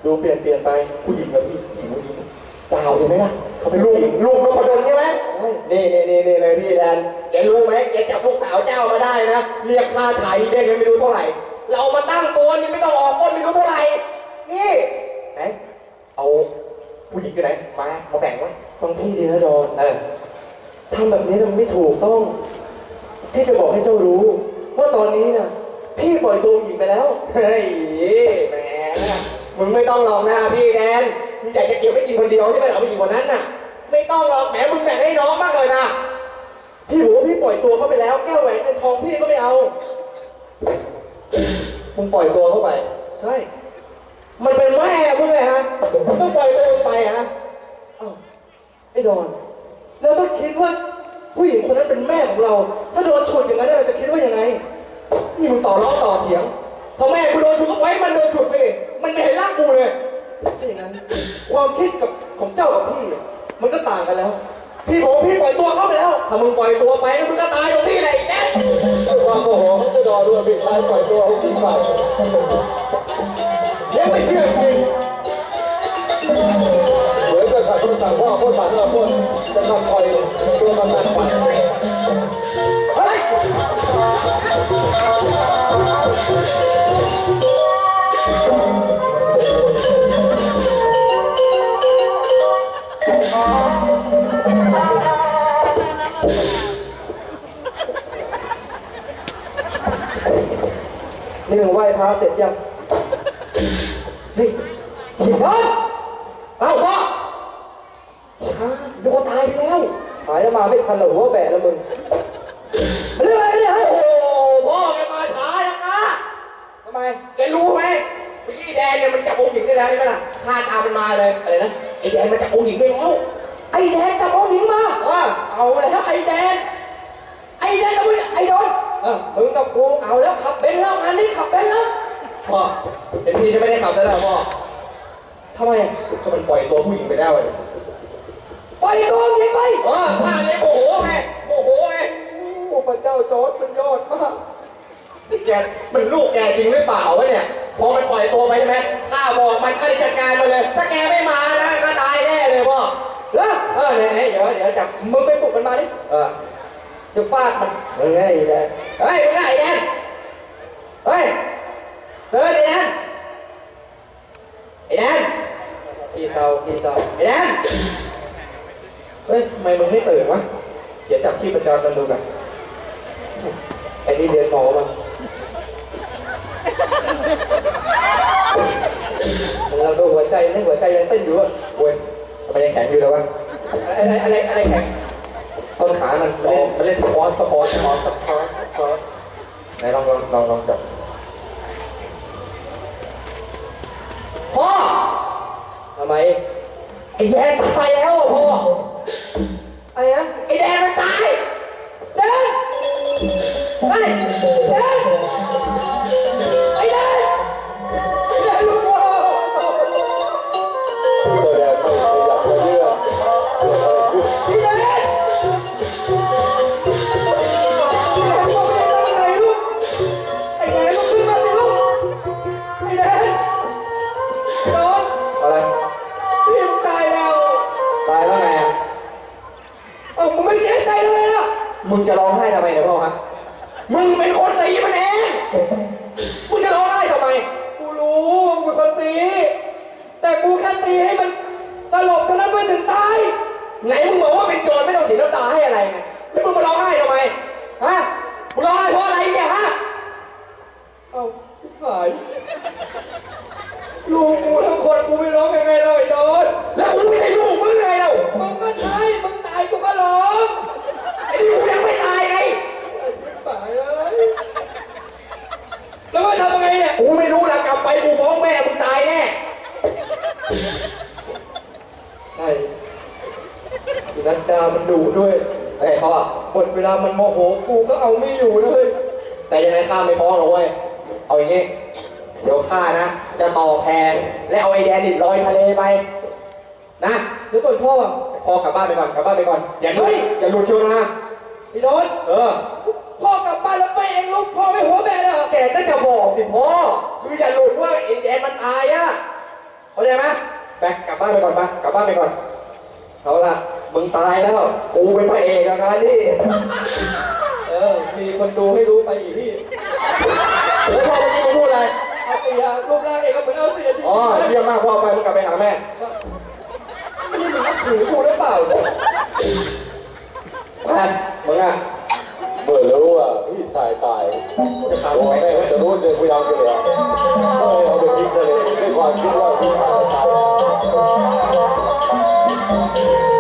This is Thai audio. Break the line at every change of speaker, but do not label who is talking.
ดูเปลี่ยนไปผู้หญิงกับผู้หญิงเจ้าใช่ไหมล่ะเขาเป็นลูกนพดลใช่ไหมนี่เลยพี่แดนแกรู้ไหมแกจับลูกสาวเจ้ามาได้นะเรียกค่าไถ่ได้เงินไม่รู้เท่าไหร่เรามาตั้งตัวนี่ไม่ต้องออกต้นไม่รู้เท่าไหร่นี่ไหนเอาผู้หญิงอยู่ไหนมาแบ่งไว้ฟังพี่ดีนะดอนทำแบบนี้มันไม่ถูกต้องพี่จะบอกให้เจ้ารู้ว่าตอนนี้น่ะพี่ปล่อยตัวหญิงไปแล้วเฮ้ยแหมมึงไม่ต้องหลอกหน้าพี่แดนมึงอยากจะเก็บไว้กินคนเดียวที่ไม่เอาไปกินคนนั้นน่ะไม่ต้องหรอกแหมมึงแบ่งให้น้องมากเลยนะพี่บอกว่าพี่ปล่อยตัวเขาไปแล้วแก้วแหวนเงินทองพี่ก็ไม่เอามึงปล่อยตัวเข้าไปใช่มันเป็นแม่มึงไงฮะมึงต้องปล่อยตัวมึงไปฮะอ้าวไอ้ดอนแล้วถ้าคิดว่าผู้หญิงคนนั้นเป็นแม่ของเราถ้าโดนฉุดอย่างนั้นเราจะคิดว่ายังไงนี่มึงต่อร้องต่อเถียงพอแม่กูโดนฉุดก็ไว้มันโดนฉุดไปมันไม่เห็นร่างกูเลยถ้าอย่างนั้นความคิดกับของเจ้ากับพี่มันก็ต่างกันแล้วพี่บอกพี่ปล่อยตัวเข้าไปแล้วถ้ามึงปล่อยตัวไปมึงก็ตายตรงพี่เลยแน่ความโมโหของเจ้าดอด้วยพี่ชายปล่อยตัวเขาทิ้งไปยังไม่เชื่อจริงเหมือนกับขัดคำสั่งพ่อพ่อสั่งเราพ่อจะทำปล่อยตัวมันนั่นไปเฮ้ยนี่มึงไหว้พระเสร็จยังนี่หินนั้นเอ้าพ่อดูตายไปแล้วหายแล้วมาไม่ทันหรอกหัวแบะแล้วมึงเรื่องอะไรเนี่ยโอ้พ่อแกมาช้าจังนะทำไมแกรู้ไหมพี่แดงเนี่ยมันจับองค์หญิงได้แล้วใช่ไหมล่ะท่าทางมันมาเลยอะไรนะไอ้แดงมันจับองค์หญิงได้แล้วไอ้แดงจับองค์หญิงมาเอาแล้วไอ้แดงกับมึงไอ้โดนมึงกับกูเอาแล้วขับเบนซ์แล้วงานนี้ขับเบนซ์แล้วพ่อเห็นพี่จะไม่ได้ขับแล้วพ่อทำไมก็มันปล่อยตัวผู้หญิงไปได้เลยปล่อยตัวผู้หญิงไปข้าเลยโมโหไงโอ้พระเจ้าจอร์จมันยอดมากนี่แกมันลูกแกจริงหรือเปล่าวะเนี่ยพอมันปล่อยตัวไปใช่ไหมข้าบอกมันข้าจัดการมาเลยถ้าแกไม่มานะก็ตายแน่เลยพ่อไหนเดี๋ยวจับมึงไปปลุกมันมาดิจะฟาดมันไอ้แดงเฮ้ยมึงไอ้แดงเฮ้ยไอ้แดงกี่เศร้าไอ้แดงเฮ้ยทำไมมึงไม่ตื่นวะเดี๋ยวจับชีพจรมันดูกันไอ้นี่เรียนหมอมาเราดูหัวใจยังเต้นอยู่อ่ะเว้ยทำไมยังแข็งอยู่เลยวะอะไรแข็งต้นขามันเล่นสควอตไหนลองจับพ่อทำไมไอ้แดงตายแล้วพ่ออะไรนะไอ้แดงมันตายเด้ไอ้ลูกพ่อแดงไม่อยากจะเลือกไอ้แดงอะไรพี่มึงตายแล้วไงอ่ะมึงไม่เสียใจเลยล่ะมึงจะร้องไห้ทำไมเนี่ยพ่อฮะมึงเป็นคนตีมันเองมึงจะร้องไห้ทำไมกูรู้ว่ากูเป็นคนตีแต่กูแค่ตีให้มันสลบเท่านั้นไม่ถึงตายไหนมึงบอกว่าเป็นโจรไม่ต้องเสียน้ำตาให้อะไรไงแล้วมึงมาร้องไห้ทำไมฮะมึงร้องไห้เพราะอะไรเนี่ยฮะหายลูกกูทั้งคนกูไม่ร้องยังไงเราไอ้โดนแล้วกูไม่ใช่ลูกมึงไงเรามึงก็ใช่มึงตายกูก็ร้องไอ้นี่กูยังไม่ตายไงตายเลยแล้วว่าทำยังไงเนี่ยกูไม่รู้ละกลับไปกูฟ้องแม่มึงตายแน่ใช่นัดดามันดุด้วยไอ้เขาอะหมดเวลามันโมโหกูก็เอาไม่อยู่เลยแต่ยังไงข้าไม่ฟ้องหรอกเว้ยเอาอย่างงี้เดี๋ยวข้านะจะต่อแพและเอาไอ้แดนดิดลอยทะเลไปนะแล้วส่วนพ่อกลับบ้านไปก่อนอย่าหลุดเชียวนะพี่โดนพ่อกลับบ้านแล้วไปเองลูกพ่อไม่หัวแม่เลยแกก็จะบอกสิพ่อคืออย่าหลุดว่าไอ้แดนมันตายอะเข้าใจไหมไปกลับบ้านไปก่อนปะกลับบ้านไปก่อนเอาละมึงตายแล้วกูเป็นพระเอกแล้วงานนี่มีคนดูให้รู้ไปอีกที่โอ้พ่อเมื่อกี้มึงพูดอะไรเอาเสียรูปร่างเองก็เหมือนเอาเสียจริงอ๋อเยี่ยมมากพ่อไปมึงกลับไปหาแม่ไม่ได้มึงนับถือกูหรือเปล่าแม่มึงอ่ะ
เมื่อรู้ว่าพี่ชายตายตัวแม่จะรู้เรื่องพยายามอยู่แล้วเอาไปทิ้งเลยด้วยความคิดว่าพี่ชายตาย